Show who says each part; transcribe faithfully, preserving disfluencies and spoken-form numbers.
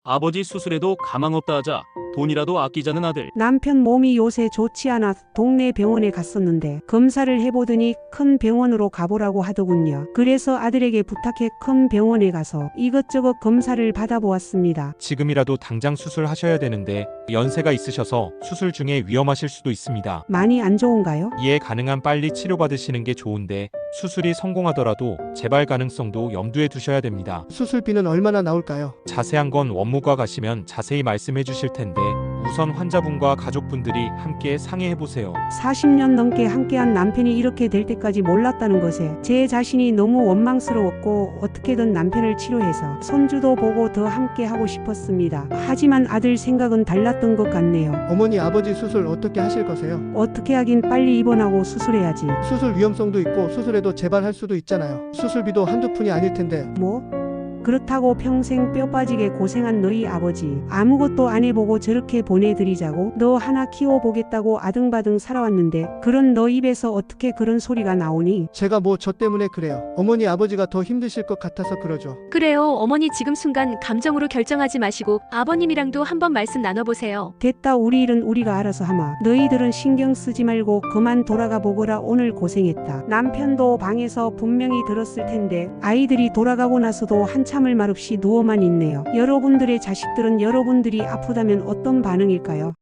Speaker 1: 아버지 수술에도 가망 없다 하자 돈이라도 아끼자는 아들.
Speaker 2: 남편 몸이 요새 좋지 않아 동네 병원에 갔었는데 검사를 해보더니 큰 병원으로 가보라고 하더군요. 그래서 아들에게 부탁해 큰 병원에 가서 이것저것 검사를 받아보았습니다.
Speaker 3: 지금이라도 당장 수술하셔야 되는데 연세가 있으셔서 수술 중에 위험하실 수도 있습니다.
Speaker 2: 많이 안 좋은가요?
Speaker 3: 이에 가능한 빨리 치료받으시는 게 좋은데 수술이 성공하더라도 재발 가능성도 염두에 두셔야 됩니다.
Speaker 4: 수술비는 얼마나 나올까요?
Speaker 3: 자세한 건 원무과 가시면 자세히 말씀해 주실 텐데 우선 환자분과 가족분들이 함께 상의해 보세요.
Speaker 2: 사십 년 넘게 함께한 남편이 이렇게 될 때까지 몰랐다는 것에 제 자신이 너무 원망스러웠고 어떻게든 남편을 치료해서 손주도 보고 더 함께하고 싶었습니다. 하지만 아들 생각은 달랐던 것 같네요.
Speaker 4: 어머니 아버지 수술 어떻게 하실 거세요?
Speaker 2: 어떻게 하긴 빨리 입원하고 수술해야지.
Speaker 4: 수술 위험성도 있고 수술에도 재발할 수도 있잖아요. 수술비도 한두 푼이 아닐 텐데.
Speaker 2: 뭐? 그렇다고 평생 뼈 빠지게 고생한 너희 아버지 아무것도 안 해보고 저렇게 보내드리자고 너 하나 키워보겠다고 아등바등 살아왔는데 그런 너 입에서 어떻게 그런 소리가 나오니?
Speaker 4: 제가 뭐 저 때문에 그래요. 어머니 아버지가 더 힘드실 것 같아서 그러죠.
Speaker 5: 그래요. 어머니 지금 순간 감정으로 결정하지 마시고 아버님이랑도 한번 말씀 나눠보세요.
Speaker 2: 됐다, 우리 일은 우리가 알아서 하마. 너희들은 신경 쓰지 말고 그만 돌아가 보거라. 오늘 고생했다. 남편도 방에서 분명히 들었을 텐데 아이들이 돌아가고 나서도 한참을 말없이 누워만 있네요. 여러분들의 자식들은 여러분들이 아프다면 어떤 반응일까요?